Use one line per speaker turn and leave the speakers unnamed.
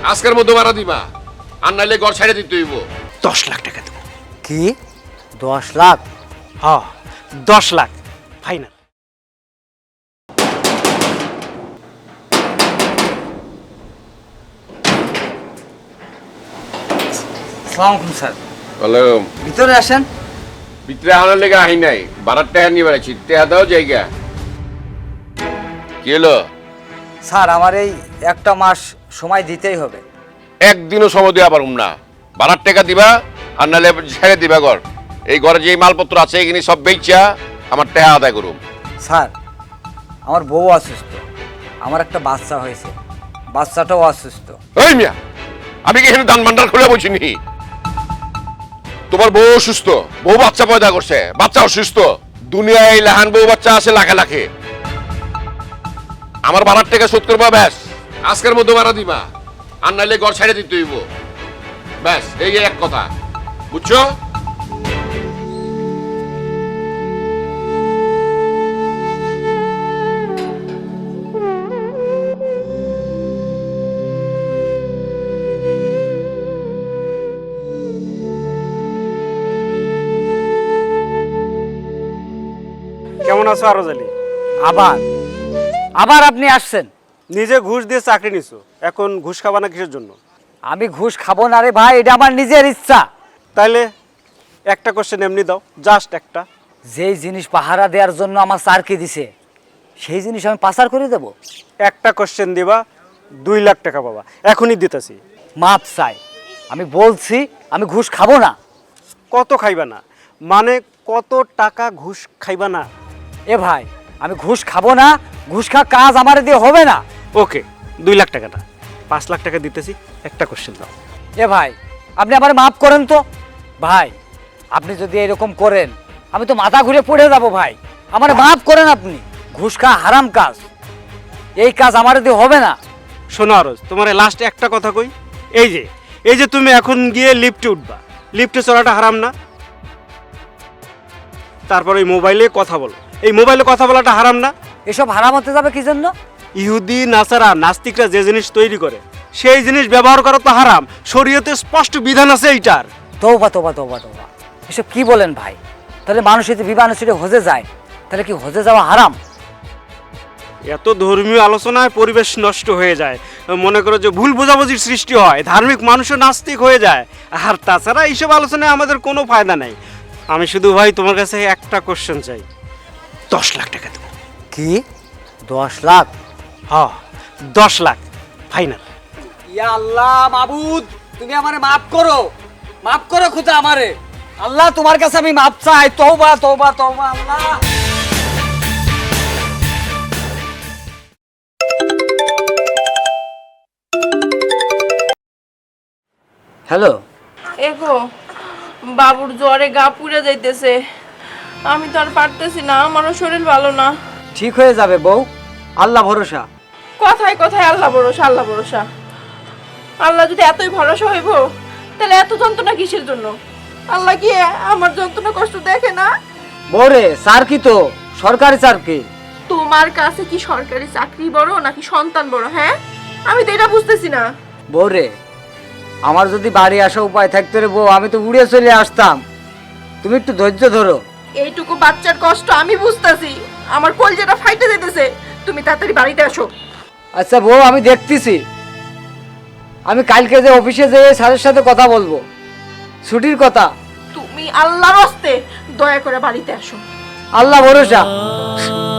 আজকের মধ্যে ভাড়া দিবা, আর নাইলে ঘর ছেড়ে দিতে হইব।
10 লাখ টাকা দেবো।
কি 10 লাখ?
হ্যাঁ 10 লাখ ফাইনাল।
আসসালামু আলাইকুম স্যার।
বলো,
ভিতরে আসেন।
ভিতরে আনার লেগে আহি নাই, ভাড়ার টাকা নিয়ে বেড়াচ্ছি, টাকা দাও জায়গা। কি হলো?
স্যার আমার এই একটা মাস সময় দিতেই হবে।
একদিনও সময় দেওয়া পারুম না। ভাড়ার টাকা দিবা, আর নাহলে ছেড়ে দিবা ঘর। এই ঘরে যে মালপত্র আছে এগুলি সব বেচা আমার টাকা আদায় করুম।
স্যার আমার বউ অসুস্থ, আমার একটা বাচ্চা হয়েছে, বাচ্চাটাও অসুস্থ।
এই মিয়া, আমি কি এখানে দান ভান্ডার খুলে বলছি নি? তোমার বউ অসুস্থ, বউ বাচ্চা পয়দা করছে, বাচ্চা অসুস্থ। দুনিয়ায় লাহান বউ বাচ্চা আছে লাখে লাখে। আমার ভাড়ার টাকা শোধ করবা, ব্যাস। আজকের মধ্যে ভাড়া দিবা, আর নাইলে ঘর ছেড়ে দিতে হইব। ব্যাস, এই এক কথা, বুঝছো?
কেমন আছো আরজ আলী?
আবার আবার আপনি আসছেন?
নিজে ঘুষ দিয়ে চাকরি নিছো, এখন ঘুষ খাবা না কিসের জন্য?
আমি ঘুষ খাবো না রে ভাই, এটা আমার নিজের ইচ্ছা।
তাইলে একটা কোশ্চেন এমনি দাও, জাস্ট একটা।
যেই জিনিস পাহারা দেওয়ার জন্য আমার স্যারকে দিছে সেই জিনিস আমি পাচার করে দেব?
একটা কোশ্চেন দিবা, 2 লাখ টাকা পাবা, এখনই দিতেছি।
মাপ চাই, আমি বলছি আমি ঘুষ খাবো না।
কত খাইবা না মানে কত টাকা ঘুষ খাইবা না?
এ ভাই আমি ঘুষ খাবো না, ঘুষ খা কাজ আমার দিয়ে হবে না।
ওকে 2 লাখ টাকা না, 5 লাখ টাকা দিতেছি, একটা কোশ্চেন দাও।
এ ভাই আপনি আমার মাফ করেন তো ভাই, আপনি যদি এরকম করেন আমি তো মাথা ঘুরে পড়ে যাব ভাই, আমার মাফ করেন আপনি। ঘুষ খা হারাম কাজ, এই কাজ আমার দিয়ে হবে না।
শোনো আরজ, তোমার লাস্ট একটা কথা কই। এই যে তুমি এখন গিয়ে লিফটে উঠবা, লিফটে চড়াটা হারাম না? তারপর ওই মোবাইলে কথা বলো, এই মোবাইলে কথা বলাটা হারাম না?
এসব হারাম হতে যাবে কি জন্য?
ইহুদি নাসারা নাস্তিকরা যে জিনিস তৈরি করে সেই জিনিস ব্যবহার করা তো হারাম, শরীয়তে স্পষ্ট বিধান আছে এইটার।
তৌবা তৌবা তৌবা তৌবা, এসব কি বলেন ভাই? তাহলে মানুষ যদি বিমানে চড়ে হজে যায়, তাহলে কি হজে যাওয়া হারাম?
এত ধর্মীয় আলোচনায় পরিবেশ নষ্ট হয়ে যায়, মনে করো যে ভুল বোঝাবুঝির সৃষ্টি হয়, ধার্মিক মানুষও নাস্তিক হয়ে যায়। আর তাছাড়া এইসব আলোচনায় আমাদের কোনো ফায়দা নেই। আমি শুধু ভাই তোমার কাছে একটা কোশ্চেন চাই, 10 লাখ টাকা দেবো।
কি 10 লাখ?
হ্যাঁ 10 লাখ ফাইনাল।
ইয়া আল্লাহ মাবুদ, তুমি আমারে মাফ করো, মাফ করো খুদা আমারে। আল্লাহ তোমার কাছে আমি মাফ চাই, তওবা তওবা তওবা আল্লাহ। হ্যালো
এগো বাবুর জ্বরে গা পুড়ে যাইতেছে, আমি তো আর পারতেছি না, আমারও শরীর ভালো না।
ঠিক হয়ে যাবে বউ, আল্লাহ ভরসা।
কথায় কথায় আল্লাহ ভরসা আল্লাহ ভরসা। আল্লাহ যদি এতই ভরসা হইব তাহলে এত যন্ত্রণা কিসের জন্য? আল্লাহ কি আমার যন্ত্রণা কষ্ট দেখে না?
বউরে স্যার কি তো সরকারি স্যার কি?
তোমার কাছে কি সরকারি চাকরি বড় নাকি সন্তান বড়? হ্যাঁ আমি তো এটা বুঝতেছি না।
বউরে আমার যদি বাড়ি আসা উপায় থাকতো রে বউ, আমি তো উড়ে চলে আসতাম। তুমি একটু ধৈর্য ধরো।
এইটুকু বাচ্চার কষ্ট আমি বুঝতেছি, আমার কলজেটা ফাইটে যেতেছে। তুমি তাড়াতাড়ি বাড়িতে আসো।
আচ্ছা বউ আমি দেখতেছি, আমি কালকে যে অফিসে যেয়ে স্যারের সাথে কথা বলবো, ছুটির কথা।
তুমি আল্লাহর হস্তে দয়া করে বাড়িতে আসো।
আল্লাহ ভরসা।